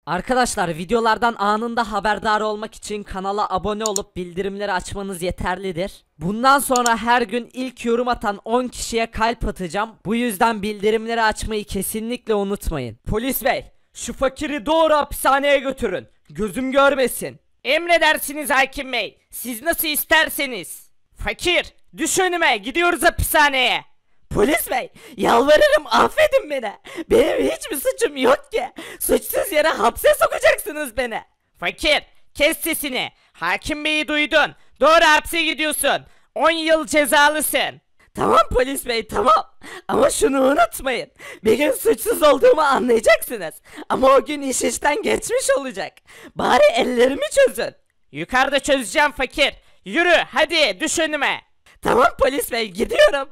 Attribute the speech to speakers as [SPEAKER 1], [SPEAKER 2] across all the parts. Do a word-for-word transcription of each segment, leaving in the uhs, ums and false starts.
[SPEAKER 1] Arkadaşlar videolardan anında haberdar olmak için kanala abone olup bildirimleri açmanız yeterlidir. Bundan sonra her gün ilk yorum atan on kişiye kalp atacağım. Bu yüzden bildirimleri açmayı kesinlikle unutmayın. Polis bey, şu fakiri doğru hapishaneye götürün. Gözüm görmesin. Emredersiniz hakim bey. Siz nasıl isterseniz. Fakir, düş önüme, gidiyoruz hapishaneye. Polis bey, yalvarırım affedin beni. Benim hiçbir suçum yok ki. Suçsuz yere hapse sokacaksınız beni. Fakir, kes sesini. Hakim beyi duydun. Doğru hapse gidiyorsun. on yıl cezalısın. Tamam polis bey, tamam. Ama şunu unutmayın. Bir gün suçsuz olduğumu anlayacaksınız. Ama o gün iş işten geçmiş olacak. Bari ellerimi çözün. Yukarıda çözeceğim fakir. Yürü hadi, düş önüme. Tamam polis bey, gidiyorum.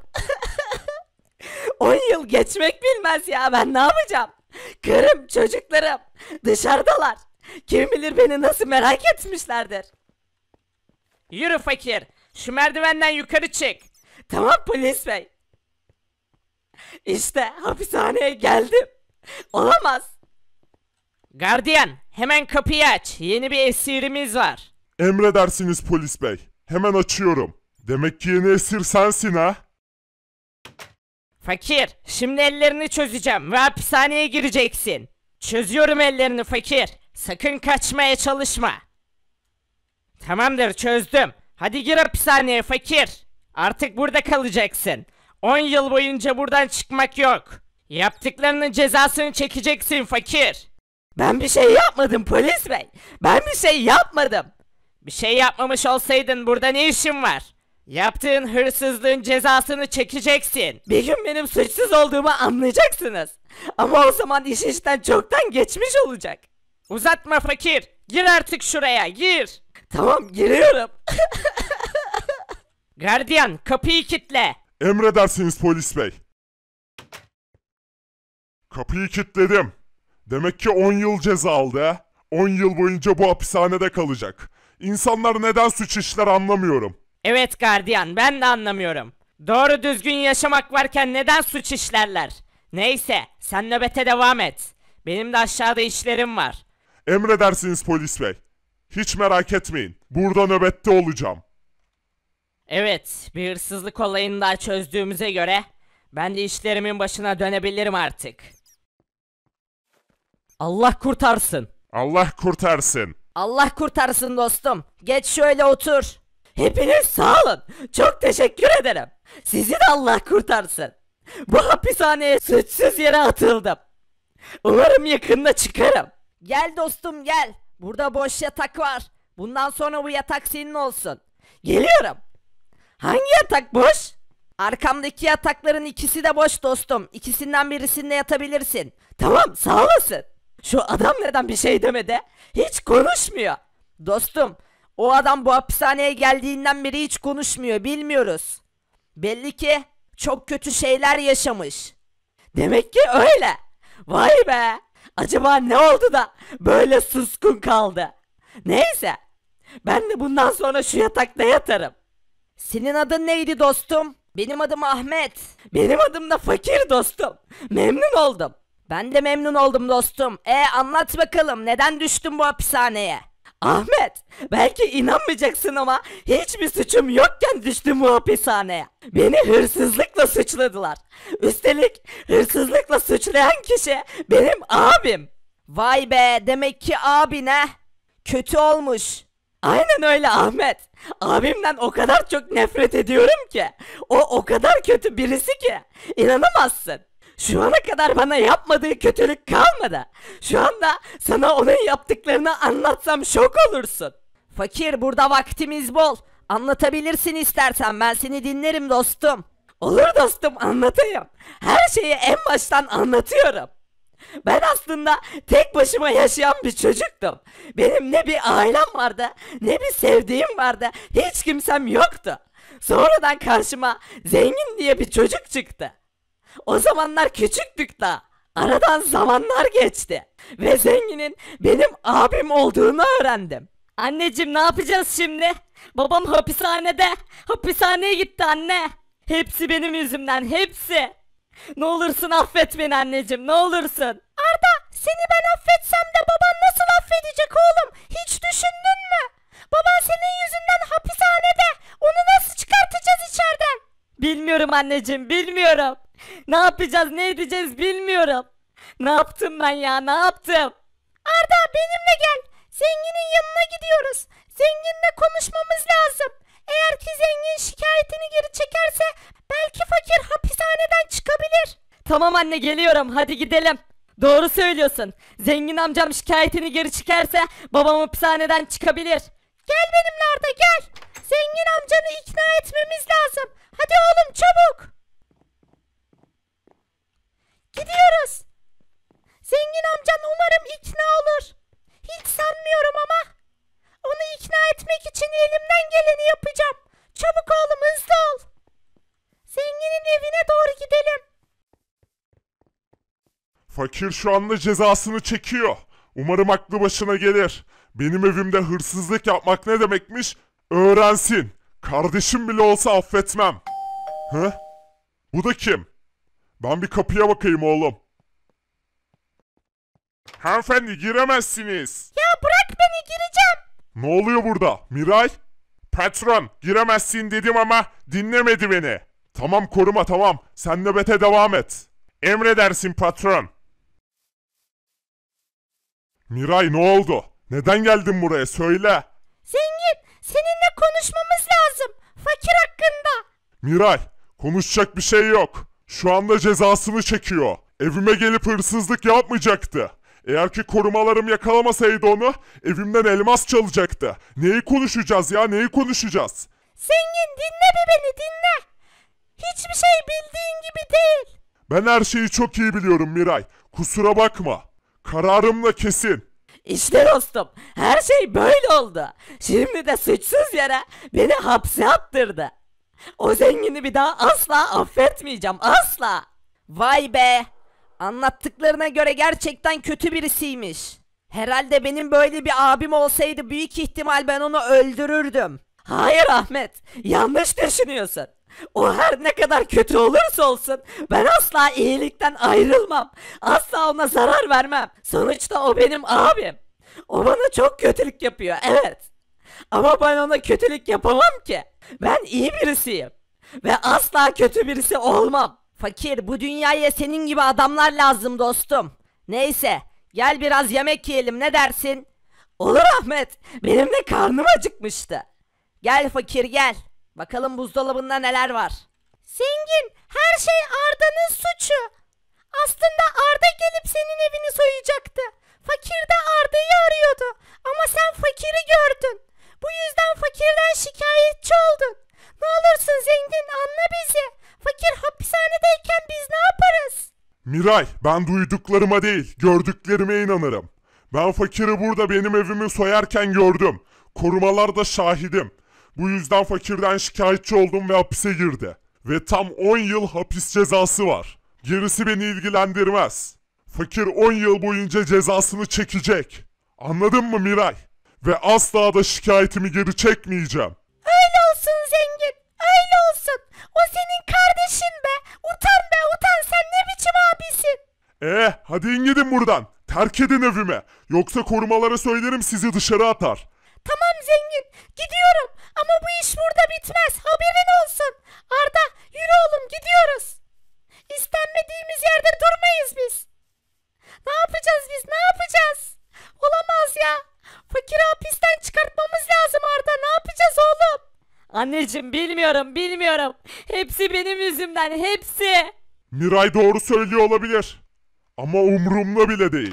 [SPEAKER 1] on yıl geçmek bilmez ya, ben ne yapacağım? Karım, çocuklarım dışarıdalar. Kim bilir beni nasıl merak etmişlerdir. Yürü fakir, şu merdivenden yukarı çık. Tamam polis bey. İşte hapishaneye geldim. Olamaz. Gardiyan, hemen kapıyı aç. Yeni bir esirimiz var.
[SPEAKER 2] Emredersiniz polis bey. Hemen açıyorum. Demek ki yeni esir sensin ha?
[SPEAKER 1] Fakir, şimdi ellerini çözeceğim ve hapishaneye gireceksin. Çözüyorum ellerini fakir. Sakın kaçmaya çalışma. Tamamdır, çözdüm. Hadi gir hapishaneye fakir. Artık burada kalacaksın. on yıl boyunca buradan çıkmak yok. Yaptıklarının cezasını çekeceksin fakir. Ben bir şey yapmadım polis bey. Ben bir şey yapmadım. Bir şey yapmamış olsaydın burada ne işin var? Yaptığın hırsızlığın cezasını çekeceksin. Bir gün benim suçsuz olduğumu anlayacaksınız. Ama o zaman iş işten çoktan geçmiş olacak. Uzatma fakir. Gir artık şuraya, gir. Tamam, giriyorum. Gardiyan, kapıyı kilitle.
[SPEAKER 2] Emredersiniz polis bey. Kapıyı kilitledim. Demek ki on yıl ceza aldı ha? on yıl boyunca bu hapishanede kalacak. İnsanlar neden suç işler anlamıyorum.
[SPEAKER 1] Evet gardiyan, ben de anlamıyorum. Doğru düzgün yaşamak varken neden suç işlerler? Neyse, sen nöbete devam et. Benim de aşağıda işlerim var.
[SPEAKER 2] Emredersiniz polis bey. Hiç merak etmeyin. Burada nöbette olacağım.
[SPEAKER 1] Evet, bir hırsızlık olayını daha çözdüğümüze göre ben de işlerimin başına dönebilirim artık. Allah kurtarsın.
[SPEAKER 2] Allah kurtarsın.
[SPEAKER 1] Allah kurtarsın dostum. Geç şöyle otur. Hepiniz sağ olun. Çok teşekkür ederim. Sizi de Allah kurtarsın. Bu hapishaneye suçsuz yere atıldım. Umarım yakında çıkarım. Gel dostum gel. Burada boş yatak var. Bundan sonra bu yatak senin olsun. Geliyorum. Hangi yatak boş? Arkamdaki yatakların ikisi de boş dostum. İkisinden birisinde yatabilirsin. Tamam, sağ olasın. Şu adam neden bir şey demedi? Hiç konuşmuyor. Dostum, o adam bu hapishaneye geldiğinden beri hiç konuşmuyor, bilmiyoruz. Belli ki çok kötü şeyler yaşamış. Demek ki öyle. Vay be. Acaba ne oldu da böyle suskun kaldı? Neyse. Ben de bundan sonra şu yatakta yatarım. Senin adın neydi dostum? Benim adım Ahmet. Benim adım da Fakir dostum. Memnun oldum. Ben de memnun oldum dostum. E anlat bakalım, neden düştün bu hapishaneye? Ahmet, belki inanmayacaksın ama hiçbir suçum yokken düştüm bu hapishaneye. Beni hırsızlıkla suçladılar. Üstelik hırsızlıkla suçlayan kişi benim abim. Vay be, demek ki abine kötü olmuş. Aynen öyle Ahmet. Abimden o kadar çok nefret ediyorum ki. O o kadar kötü birisi ki. İnanamazsın. Şu ana kadar bana yapmadığı kötülük kalmadı. Şu anda sana onun yaptıklarını anlatsam şok olursun. Fakir, burada vaktimiz bol. Anlatabilirsin istersen, ben seni dinlerim dostum. Olur dostum, anlatayım. Her şeyi en baştan anlatıyorum. Ben aslında tek başıma yaşayan bir çocuktum. Benim ne bir ailem vardı, ne bir sevdiğim vardı. Hiç kimsem yoktu. Sonradan karşıma zengin diye bir çocuk çıktı. O zamanlar küçüktük da. Aradan zamanlar geçti. Ve zenginin benim abim olduğunu öğrendim. Anneciğim, ne yapacağız şimdi? Babam hapishanede. Hapishaneye gitti anne. Hepsi benim yüzümden, hepsi. Ne olursun affet beni anneciğim, ne olursun. Arda, seni ben affetsem de baban nasıl anneciğim, bilmiyorum. Ne yapacağız, ne edeceğiz bilmiyorum. Ne yaptım ben ya, ne yaptım?
[SPEAKER 3] Arda benimle gel. Zenginin yanına gidiyoruz. Zenginle konuşmamız lazım. Eğer ki zengin şikayetini geri çekerse belki fakir hapishaneden çıkabilir.
[SPEAKER 1] Tamam anne, geliyorum, hadi gidelim. Doğru söylüyorsun. Zengin amcam şikayetini geri çekerse babam hapishaneden çıkabilir.
[SPEAKER 3] Gel benimle Arda, gel. Zengin amcanı ikna etmemiz lazım. Hadi oğlum çabuk. Gidiyoruz. Zengin amcan umarım ikna olur. Hiç sanmıyorum ama onu ikna etmek için elimden geleni yapacağım. Çabuk oğlum, hızlı ol. Zenginin evine doğru gidelim.
[SPEAKER 2] Fakir şu anda cezasını çekiyor. Umarım aklı başına gelir. Benim evimde hırsızlık yapmak ne demekmiş? Öğrensin. Kardeşim bile olsa affetmem. Hı? Bu da kim? Ben bir kapıya bakayım oğlum. Hanımefendi, giremezsiniz.
[SPEAKER 3] Ya bırak beni, gireceğim.
[SPEAKER 2] Ne oluyor burada? Miray? Patron, giremezsin dedim ama dinlemedi beni. Tamam koruma, tamam. Sen nöbete devam et. Emredersin patron. Miray, ne oldu? Neden geldin buraya? Söyle.
[SPEAKER 3] Zengin, seninle konuşmamız lazım. Fakir hakkında.
[SPEAKER 2] Miray, konuşacak bir şey yok. Şu anda cezasını çekiyor. Evime gelip hırsızlık yapmayacaktı. Eğer ki korumalarım yakalamasaydı onu, evimden elmas çalacaktı. Neyi konuşacağız ya, neyi konuşacağız?
[SPEAKER 3] Zengin, dinle bir beni, dinle. Hiçbir şey bildiğin gibi değil.
[SPEAKER 2] Ben her şeyi çok iyi biliyorum Miray. Kusura bakma. Kararım da kesin.
[SPEAKER 1] İşte dostum, her şey böyle oldu. Şimdi de suçsuz yere beni hapse attırdı. O zengini bir daha asla affetmeyeceğim, asla. Vay be. Anlattıklarına göre gerçekten kötü birisiymiş. Herhalde benim böyle bir abim olsaydı büyük ihtimal ben onu öldürürdüm. Hayır Ahmet, yanlış düşünüyorsun. O her ne kadar kötü olursa olsun ben asla iyilikten ayrılmam. Asla ona zarar vermem. Sonuçta o benim abim. O bana çok kötülük yapıyor, evet. Ama ben ona kötülük yapamam ki. Ben iyi birisiyim. Ve asla kötü birisi olmam. Fakir, bu dünyaya senin gibi adamlar lazım dostum. Neyse, gel biraz yemek yiyelim, ne dersin? Olur Ahmet, benim de karnım acıkmıştı. Gel fakir, gel. Bakalım buzdolabında neler var.
[SPEAKER 3] Zengin, her şey Arda'nın suçu. Aslında Arda gelip senin evini soyacaktı. Fakir de Arda'yı arıyordu. Ama sen fakiri gördün. Bu yüzden fakirden şikayetçi oldun. Ne olursun zengin, anla bizi. Fakir hapishanedeyken biz ne yaparız?
[SPEAKER 2] Miray, ben duyduklarıma değil, gördüklerime inanırım. Ben fakiri burada benim evimi soyarken gördüm. Korumalar da şahidim. Bu yüzden fakirden şikayetçi oldum ve hapise girdi. Ve tam on yıl hapis cezası var. Gerisi beni ilgilendirmez. Fakir on yıl boyunca cezasını çekecek. Anladın mı Miray? Ve asla da şikayetimi geri çekmeyeceğim.
[SPEAKER 3] Öyle olsun zengin, öyle olsun. O senin kardeşin be. Utan be, utan, sen ne biçim abisin?
[SPEAKER 2] Ee, hadi in gidin buradan. Terk edin evimi. Yoksa korumalara söylerim, sizi dışarı atar.
[SPEAKER 3] Tamam zengin, gidiyorum. Ama bu iş burada bitmez, haberin olsun. Arda, yürü oğlum, gidiyoruz. İstenmediğimiz yerde durmayız biz. Ne yapacağız biz, ne yapacağız? Olamaz ya. Fakiri hapisten çıkartmamız lazım Arda, ne yapacağız oğlum?
[SPEAKER 1] Anneciğim, bilmiyorum, bilmiyorum. Hepsi benim yüzümden, hepsi.
[SPEAKER 2] Miray doğru söylüyor olabilir. Ama umurumda bile değil.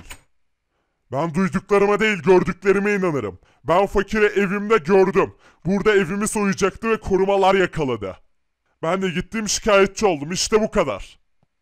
[SPEAKER 2] Ben duyduklarıma değil, gördüklerime inanırım. Ben fakiri evimde gördüm. Burada evimi soyacaktı ve korumalar yakaladı. Ben de gittim, şikayetçi oldum. İşte bu kadar.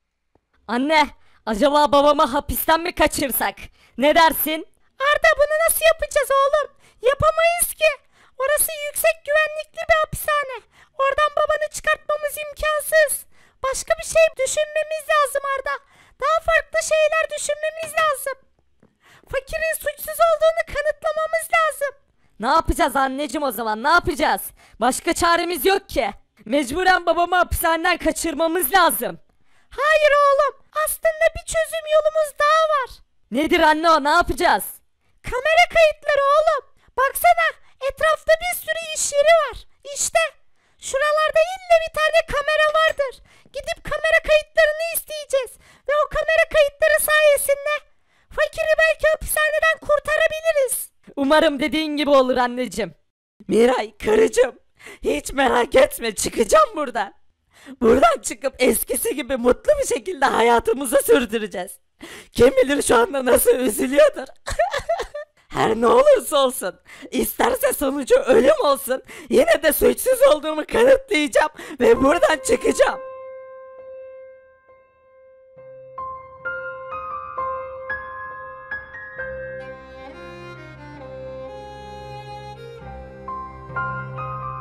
[SPEAKER 1] Anne, acaba babamı hapisten mi kaçırsak? Ne dersin?
[SPEAKER 3] Arda, bunu nasıl yapacağız oğlum? Yapamayız ki. Orası yüksek güvenlikli bir hapishane. Oradan babanı çıkartmamız imkansız. Başka bir şey düşünmemiz lazım Arda. Daha farklı şeyler düşünmemiz lazım. Fakirin suçsuz olduğunu kanıtlamamız lazım.
[SPEAKER 1] Ne yapacağız anneciğim o zaman, ne yapacağız? Başka çaremiz yok ki. Mecburen babamı hapishaneden kaçırmamız lazım.
[SPEAKER 3] Hayır oğlum, aslında bir çözüm yolumuz daha var.
[SPEAKER 1] Nedir anne o, ne yapacağız?
[SPEAKER 3] Kamera kayıtları oğlum. Baksana, etrafta bir sürü iş yeri var. İşte Şuralarda illa bir tane kamera vardır. Gidip kamera kayıtlarını isteyeceğiz. Ve o kamera kayıtları sayesinde fakiri belki hapishaneden kurtarabiliriz.
[SPEAKER 1] Umarım dediğin gibi olur anneciğim. Miray, karıcığım, hiç merak etme, çıkacağım buradan. Buradan çıkıp eskisi gibi mutlu bir şekilde hayatımızı sürdüreceğiz. Kim bilir şu anda nasıl üzülüyordur. Her ne olursa olsun, isterse sonucu ölüm olsun, yine de suçsuz olduğumu kanıtlayacağım ve buradan çıkacağım.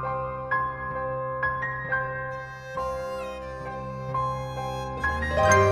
[SPEAKER 3] Müzik